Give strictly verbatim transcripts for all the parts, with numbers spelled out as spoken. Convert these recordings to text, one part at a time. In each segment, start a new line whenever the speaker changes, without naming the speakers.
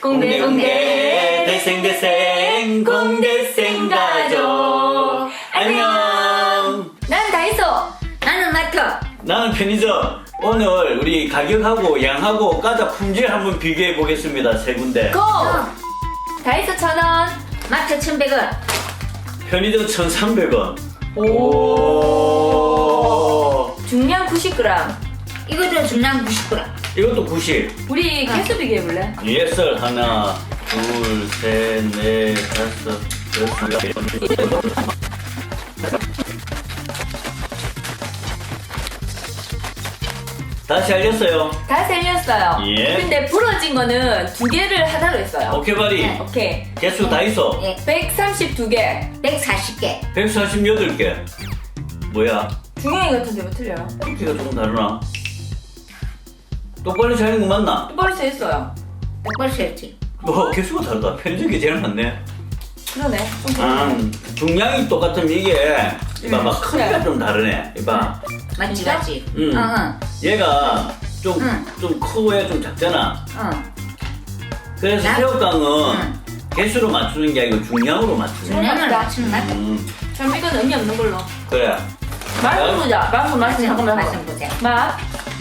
공대 공대 대생 대생 공대생 가족 안녕.
난 다이소.
나는 마트.
나는 편의점. 오늘 우리 가격하고 양하고 과자 품질 한번 비교해 보겠습니다. 세 군데.
고! 다이소 천 원.
마트 천백 원.
편의점 천삼백 원.
오. 중량 구십 그램.
이것도 중량 구십 그램.
이것도 구십.
우리 개수 비교해 볼래?
예썰 하나, 둘, 셋, 넷, 다섯, 여섯. 다시 알렸어요.
다 셀렸어요.
예.
근데 부러진 거는 두 개를 하나로 했어요.
오케바리.
네.
오케이.
개수 다 있어.
예.
백삼십이 개.
백사십 개.
백사십팔 개. 뭐야?
중량이 같은데 왜 틀려요?
크기가 조금 다르나? 똑바로 자는 거 맞나?
똑바로 세했어요.
똑바로 세웠지.
뭐 개수가 다르다. 편의점이 제일 많네.
그러네. 좀
아, 중량이 똑같으면 이게 이봐, 막 크기가
그래.
좀 다르네. 이봐.
맞지
진짜?
맞지.
음.
응 응.
얘가 좀,
응.
좀 크고 얘 좀 작잖아.
응.
그래서
나-
새우깡은
응.
개수로 맞추는 게 아니고 중량으로 맞추는 거야.
중량을
맞다.
맞추는 맛.
음,
그럼 이건 의미 없는 걸로.
그래.
맛을 보자. 맛을 맛을 잠깐만
맛을
해봐.
보자.
맛.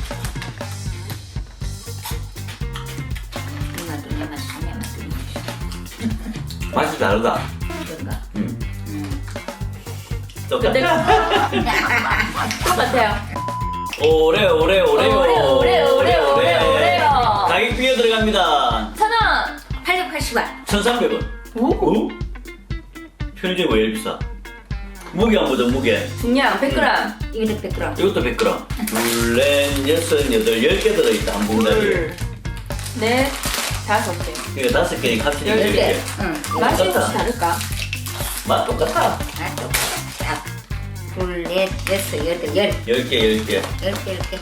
누나 누나 맛 누나 맛 누나
맛이 다르다.
맛. 그런가?
음.
음.
근데
똑같아.
똑같아요.
오래, 오래, 오래요.
오래, 오래, 오래, 오래, 오래요.
가격 비교 들어갑니다.
천 원.
팔백팔십 원.
천삼백 원.
오.
오? 편의점이 왜 이렇게 비싸? 무게 한 보자, 무게.
중량 백 그램.
이것도 백 그램.
이것도 백 그램. 둘, 넷, 여섯, 여덟, 열 개 들어있다, 한 봉다리에.
둘, 넷, 다섯 개.
그러니까 다섯 개니까 합치면
열
열
개.
개.
응.
맛이
똑같다.
혹시 다를까?
맛 똑같아.
아 똑같아. 둘, 넷, 여섯, 여덟, 열.
열 개, 열 개.
열 개, 열 개.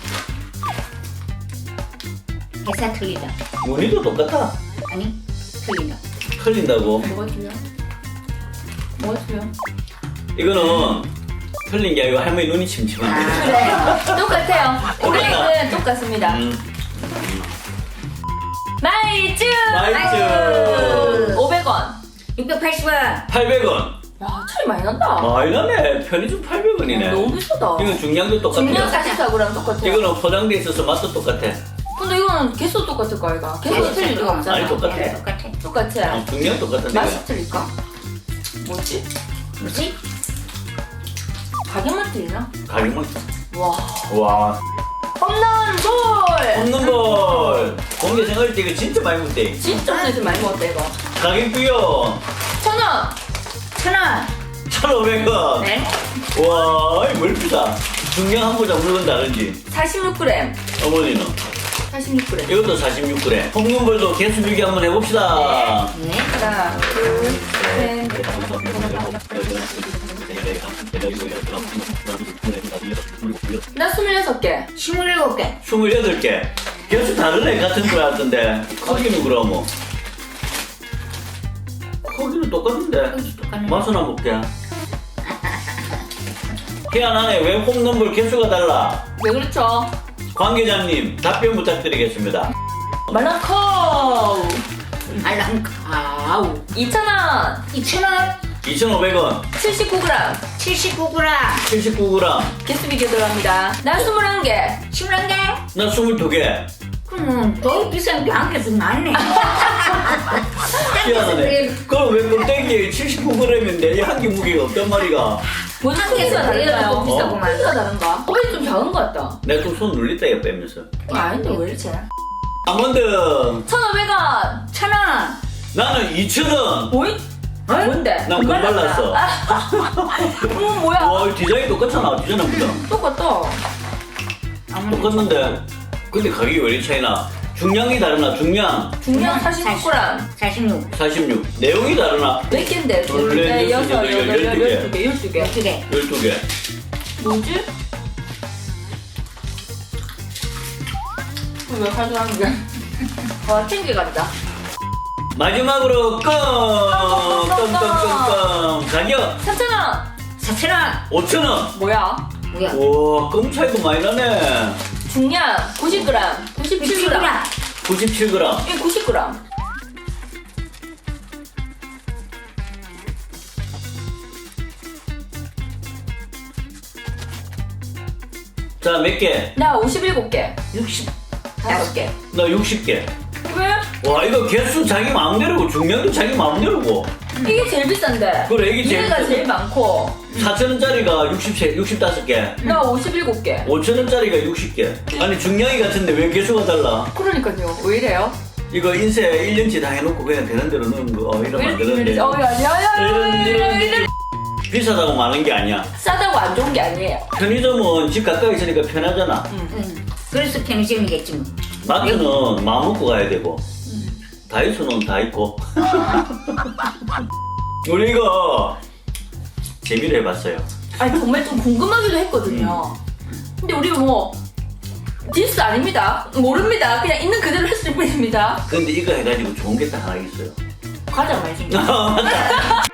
회사 틀리다.
무늬도 똑같아.
아니, 틀리다.
틀린다고.
뭐가 틀려? 뭐가 틀려?
이거는 틀린 게 아니고 할머니 눈이 침침한데.
아.
그래. 똑같아요.
똑같다.
우리는 똑같습니다.
음.
마이쮸!
마이쮸.
오백 원.
육백팔십 원.
팔백 원.
야, 차이 많이 난다.
많이 나네. 편의점 팔백 원이네.
너무 비싸다.
이건 중량도 똑같아.
중량 사십사 그램 똑같아.
이거는 포장돼 있어서 맛도 똑같아.
근데 이거는 개수 똑같을 거 아이가? 개수 틀릴 리가 없잖아.
아니, 똑같아.
네, 똑같아.
똑같아.
어, 중량 똑같은데.
맛이 틀릴까? 뭐지?
뭐지?
가격만 틀리나?
가격만.
와.
와.
홈런 볼!
없는 볼. 공개 생활 때 이거 진짜 많이 먹대.
진짜 오늘 좀 많이 먹었다 이거.
가격 비교.
천 원!
천 원.
천오백 원.
네.
와, 이뭘 비싸. 중량 한 보자 물건 다른지.
사십육 그램.
어머니는
사십육 그램.
이것도 사십육 그램. 홈런볼도 개수 비교 한번 해봅시다.
네.
하나, 둘, 셋. 나 스물여섯 개.
스물일곱 개.
스물여덟 개. 개수 다르네 같은 거 같던데. 크기는 그러면. 크기는 똑같은데.
똑같네.
맛은 한번 볼게. 희한하네. 왜 홈런볼 개수가 달라?
왜 그렇죠?
관계자님 답변 부탁드리겠습니다.
말랑커!
알랑카우.
이천 원!
이천 원.
이천오백 원.
칠십구 그램.
칠십구 그램.
칠십구 그램.
개수 비교 들어갑니다. 나 스물한 개.
스물한 개.
나 스물두 개.
그럼 더 비싼 게 한 개씩 많네.
희한하네. 그럼 왜 껍데기에 칠십구 그램인데 한 개 무게가 없단 말이가?
뭐지?
한 개에서
크기가 다른가요?
더 비싸구만.
크기가 다른가? 어이 좀 작은 것 같다.
내가 좀 손 눌렸다 얘 빼면서.
아닌데 왜 이렇지?
아몬드.
천오백 원!
천 원.
나는 이천 원.
뭐이? 뭔데?
난 금발랐어.
어머 뭐야?
와, 이 디자인 똑같잖아. 디자인보다.
똑같다.
똑같는데. 근데 가격이 왜 이렇게 차이나? 중량이 다르나? 중량
중량 사십육 그램.
사십육.
사십육. 내용이 다르나?
몇 개인데?
둘,
둘,
넷,
넷,
여섯,
여섯,
여덟,
여덟,
열두 개.
열두 개, 열두 개.
열두 개.
열두 개.
뭐지? 왜 가져가는 게? 와, 챙겨간다.
마지막으로 껌! 껌, 껌, 껌, 껌. 가격
삼천 원!
사천 원.
오천 원.
뭐야?
뭐야?
와, 껌 차이도 많이 나네.
중량 구십 그램. 구십칠 그램.
구십칠 그램.
이게 구십 그램.
자, 몇 개?
나 오십칠 개.
육십.
다섯 개.
나 육십 개.
왜?
와, 이거 개수 자기 마음대로고 중량도 자기 마음대로고.
이게 제일 비싼데.
그래, 이게 제일
얘가
비싸.
제일 많고.
사천 원짜리가 육십, 육십오 개.
나 오십칠 개.
오천 원짜리가 육십 개. 아니, 중량이 같은데 왜 개수가 달라?
그러니까요. 왜 이래요?
이거 인쇄 일 년치 다 해놓고 그냥 되는 대로 넣은 거 어, 이러면 안
왜
되는데.
이래? 어, 야, 야, 야,
이런, 이런,
야, 야.
비싸다고 많은 게 아니야.
싸다고 안 좋은 게 아니에요.
편의점은 집 가까이 있으니까 편하잖아.
응. 그래서 편의점이겠지 뭐.
마트는 마음 먹고 가야 되고 다이소는 다 있고. 우리 이거 재미로 해봤어요.
아니 정말 좀 궁금하기도 했거든요. 근데 우리 뭐 디스 아닙니다. 모릅니다. 그냥 있는 그대로 했을 뿐입니다.
근데 이거 해가지고 좋은 게 딱 하나 있어요.
과자 많이 준비.
맞다.